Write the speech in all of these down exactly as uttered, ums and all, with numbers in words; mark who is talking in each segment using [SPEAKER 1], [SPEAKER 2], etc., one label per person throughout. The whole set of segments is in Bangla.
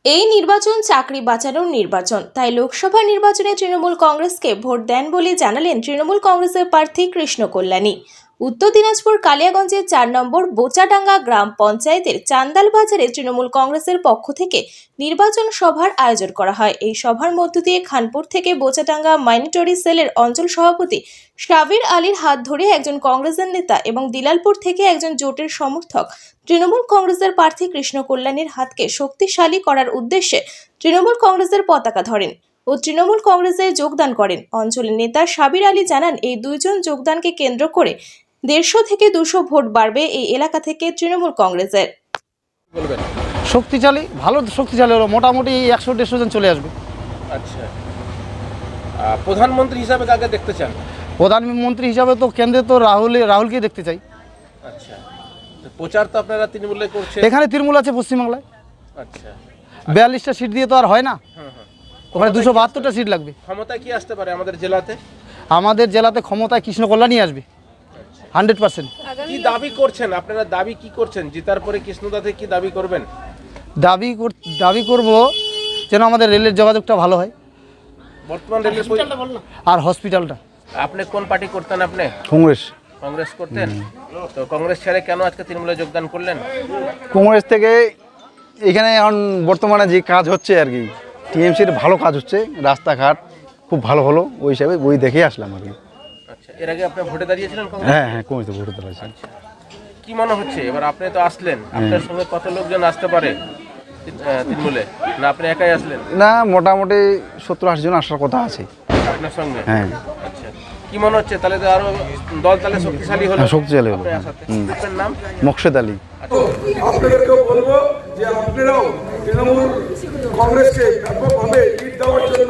[SPEAKER 1] এই নির্বাচন চাকরি বাঁচানোর নির্বাচন, তাই লোকসভা নির্বাচনে তৃণমূল কংগ্রেসকে ভোট দেন বলে জানালেন তৃণমূল কংগ্রেসের প্রার্থী কৃষ্ণ কল্যাণী। উত্তর দিনাজপুর কালিয়াগঞ্জের চার নম্বর বোচাডাঙ্গা গ্রাম পঞ্চায়েতের চান্দাল বাজারে তৃণমূল কংগ্রেসের পক্ষ থেকে নির্বাচন সভার আয়োজন করা হয়। এই সভার মধ্য দিয়ে খানপুর থেকে বোচাডাঙ্গা মাইনরিটি সেলের অঞ্চল সভাপতি সাবির আলীর হাত ধরে একজন কংগ্রেসের নেতা এবং দিলালপুর থেকে একজন জোটের সমর্থক তৃণমূল কংগ্রেসের প্রার্থী কৃষ্ণ কল্যাণীর হাতকে শক্তিশালী করার উদ্দেশ্যে তৃণমূল কংগ্রেসের পতাকা ধরেন ও তৃণমূল কংগ্রেসে যোগদান করেন। অঞ্চলের নেতা সাবির আলী জানান, এই দুইজন যোগদানকে কেন্দ্র করে দেড়শো থেকে দুশো ভোট বাড়বে এই এলাকা থেকে তৃণমূল কংগ্রেসের।
[SPEAKER 2] শক্তিশালী, ভালো শক্তিশালী হলো, মোটামুটি একশো দেড়শো জন চলে আসবে।
[SPEAKER 3] আচ্ছা, প্রধানমন্ত্রী হিসাবে কাকে দেখতে চান?
[SPEAKER 2] প্রধানমন্ত্রী হিসাবে তো কেন্দ্রে তো রাহুল রাহুলকে দেখতে চাই।
[SPEAKER 3] আচ্ছা, প্রচার তো আপনারা তৃণমূলে করছেন।
[SPEAKER 2] এখানে তৃণমূল আছে পশ্চিমবাংলায়।
[SPEAKER 3] আচ্ছা,
[SPEAKER 2] বিয়াল্লিশটা সিট দিয়ে তো আর হয় না, ওখানে দুশো বাহাত্তরটা সিট লাগবে।
[SPEAKER 3] ক্ষমতায় কি আসতে পারে আমাদের জেলাতে?
[SPEAKER 2] আমাদের জেলাতে ক্ষমতায় কৃষ্ণ কল্যাণী আসবে হান্ড্রেড পার্সেন্ট।
[SPEAKER 3] কি দাবি করছেন আপনারা? দাবি কি করছেন? জেতার পরে কৃষ্ণদাতে কি দাবি করবেন?
[SPEAKER 2] দাবি দাবি করব যেন আমাদের রেলের যোগাযোগটা ভালো হয়,
[SPEAKER 3] বর্তমান রেলের
[SPEAKER 2] আর হসপিটালটা।
[SPEAKER 3] আপনি কোন পার্টি করতেন? আপনি
[SPEAKER 2] কংগ্রেস
[SPEAKER 3] কংগ্রেস করতেন, তো কংগ্রেস ছেড়ে কেন আজকে তৃণমূলে যোগদান করলেন?
[SPEAKER 4] কংগ্রেস থেকে এখানে এখন বর্তমানে যে কাজ হচ্ছে আর কি, টিএমসির ভালো কাজ হচ্ছে, রাস্তাঘাট খুব ভালো হলো, ওই হিসাবে ওই দেখে আসলাম আর কি।
[SPEAKER 3] আচ্ছা, এর আগে আপনি ভোটে দাঁড়িয়েছিলেন কংগ্রেস?
[SPEAKER 4] হ্যাঁ হ্যাঁ কংগ্রেসে ভোটে দাঁড়িয়েছি।
[SPEAKER 3] আচ্ছা, কি মনে হচ্ছে এবার আপনি তো আসলেন, আপনার সঙ্গে কত লোকজন আসতে পারে তৃণমূলে? না আপনি একাই আসলেন?
[SPEAKER 4] না, মোটামুটি সত্তর আশি জন আসার কথা আছে
[SPEAKER 3] আপনার সঙ্গে।
[SPEAKER 4] হ্যাঁ।
[SPEAKER 3] আচ্ছা, কি মনে হচ্ছে তাহলে তো আরো দল তাহলে শক্তিশালী হলো?
[SPEAKER 4] শক্তিশালী হলো।
[SPEAKER 3] আপনার নাম?
[SPEAKER 4] মোকশেদ আলী।
[SPEAKER 5] আপনাদেরকেও বলবো যে আপনারাও তৃণমূল কংগ্রেসকে ব্যাপকভাবে লিড দেওয়ার জন্য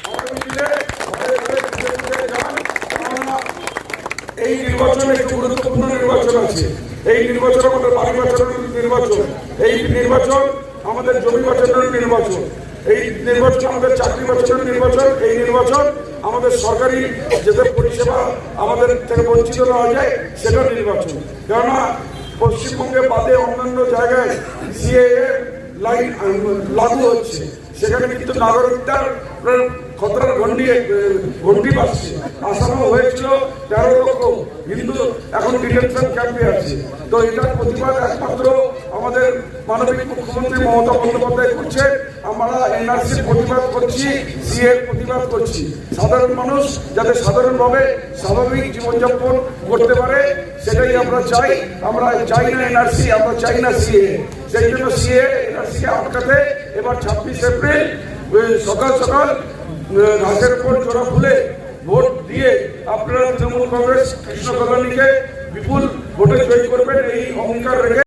[SPEAKER 5] এই নির্বাচন একটি গুরুত্বপূর্ণ নির্বাচন আছে। এই নির্বাচন আমাদের বাড়ি বাঁচানোর নির্বাচন, এই নির্বাচন আমাদের জমি বাঁচানোর নির্বাচন, এই নির্বাচন আমাদের চাকরি বাঁচানোর নির্বাচন, এই নির্বাচন আমাদের সরকারি যেসব পরিষেবা আমাদের থেকে বঞ্চিত হওয়া যায় সেটার নির্বাচন। কেননা পশ্চিমবঙ্গে বাদে অন্যান্য জায়গায় সিএএ লাইন লাগু হচ্ছে, সেখানে কিন্তু নাগরিকতার খতরার ঘন্টি ঘন্টি বাজছে। আসামও হয়েছিল তেরো লক্ষ, কিন্তু এখন ডিটেনশন ক্যাম্পে আছে। তো এটার প্রতিবাদ একমাত্র আমাদের মাননীয় মুখ্যমন্ত্রী মমতা বন্দ্যোপাধ্যায় করছে। আমরা এনআরসির প্রতিবাদ করছি, সিএর প্রতিবাদ করছি। সাধারণ মানুষ যাতে সাধারণভাবে স্বাভাবিক জীবনযাপন করতে পারে সেটাই আমরা চাই। আমরা চাই না এনআরসি, আমরা চাই না সিএ। সেই জন্য সিএ এনআরসিকে আটকাতে এবার ছাব্বিশ এপ্রিল সকাল সকাল ঘাসের উপর জোড়া ফুলে ভোট দিয়ে আপনারা তৃণমূল কংগ্রেস কৃষ্ণ কল্যাণীকে বিপুল ভোটে জয়ী করবেন এই অহংকার রেখে